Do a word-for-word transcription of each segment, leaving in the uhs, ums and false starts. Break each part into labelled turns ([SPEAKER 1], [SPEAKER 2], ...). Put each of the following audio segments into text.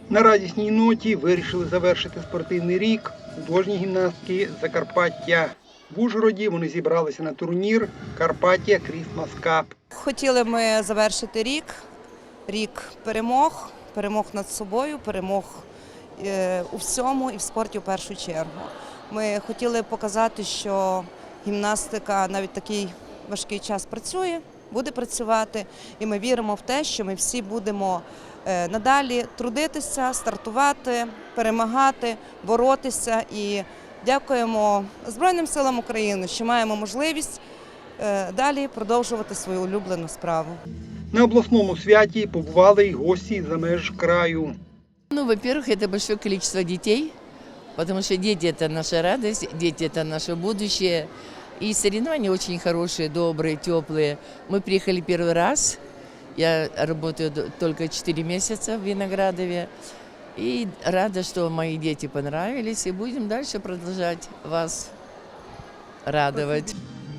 [SPEAKER 1] На радісній ноті вирішили завершити спортивний рік художні гімнастки з Закарпаття. В Ужгороді вони зібралися на турнір «Карпаття Крісмас Кап».
[SPEAKER 2] Хотіли ми завершити рік, рік перемог, перемог над собою, перемог у всьому і в спорті в першу чергу. Ми хотіли показати, що гімнастика навіть такий важкий час працює, буде працювати, і ми віримо в те, що ми всі будемо надалі трудитися, стартувати, перемагати, боротися. І дякуємо Збройним силам України, що маємо можливість далі продовжувати свою улюблену справу.
[SPEAKER 1] На обласному святі побували й гості за меж краю.
[SPEAKER 3] Ну, во-первых, это большое количество детей, потому что дети – это наша радость, дети – это наше будущее. И соревнования очень хорошие, добрые, теплые. Мы приехали первый раз. Я работаю только четыре месяца в Виноградове. И рада, что мои дети понравились. И будем дальше продолжать вас радовать.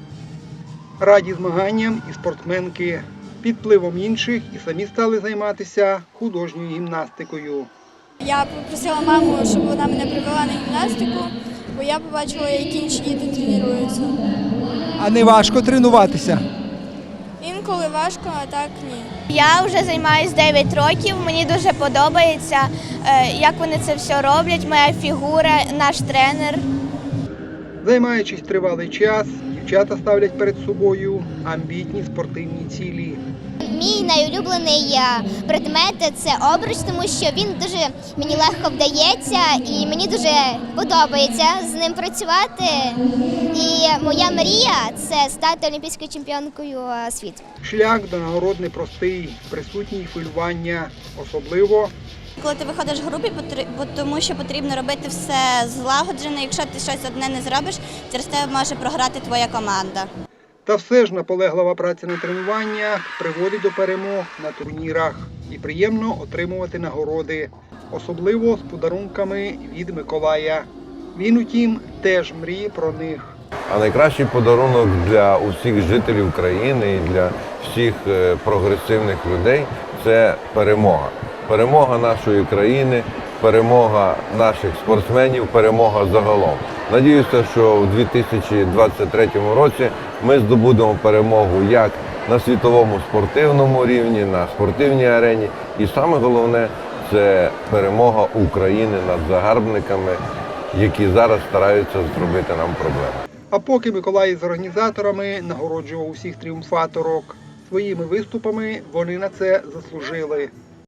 [SPEAKER 1] Раді змаганням і спортсменки. Під впливом інших і самі стали займатися художньою гімнастикою.
[SPEAKER 4] Я попросила маму, щоб вона мене привела на гімнастику, бо я побачила, як інші діти тренуються.
[SPEAKER 5] А не важко тренуватися?
[SPEAKER 4] Інколи важко, а так ні.
[SPEAKER 6] Я вже займаюся дев'ять років, мені дуже подобається, як вони це все роблять, моя фігура, наш тренер.
[SPEAKER 1] Займаючись тривалий час, дівчата ставлять перед собою амбітні спортивні цілі.
[SPEAKER 6] Мій найулюблений предмет – це обруч, тому що він дуже мені легко вдається і мені дуже подобається з ним працювати. І моя мрія – це стати олімпійською чемпіонкою світу.
[SPEAKER 1] Шлях до нагород непростий, присутні й хвилювання, особливо
[SPEAKER 4] Коли ти виходиш в групі, тому що потрібно робити все злагоджено, якщо ти щось одне не зробиш, через те може програти твоя команда.
[SPEAKER 1] Та все ж наполеглива праця на тренуваннях приводить до перемог на турнірах. І приємно отримувати нагороди, особливо з подарунками від Миколая. Він, утім, теж мріє про них.
[SPEAKER 7] А найкращий подарунок для усіх жителів країни і для всіх прогресивних людей – це перемога. Перемога нашої країни, перемога наших спортсменів, перемога загалом. Надіюся, що у дві тисячі двадцять третьому році ми здобудемо перемогу як на світовому спортивному рівні, на спортивній арені. І саме головне – це перемога України над загарбниками, які зараз стараються зробити нам проблеми.
[SPEAKER 1] А поки Миколай з організаторами нагороджував усіх тріумфаторок, своїми виступами вони на це заслужили.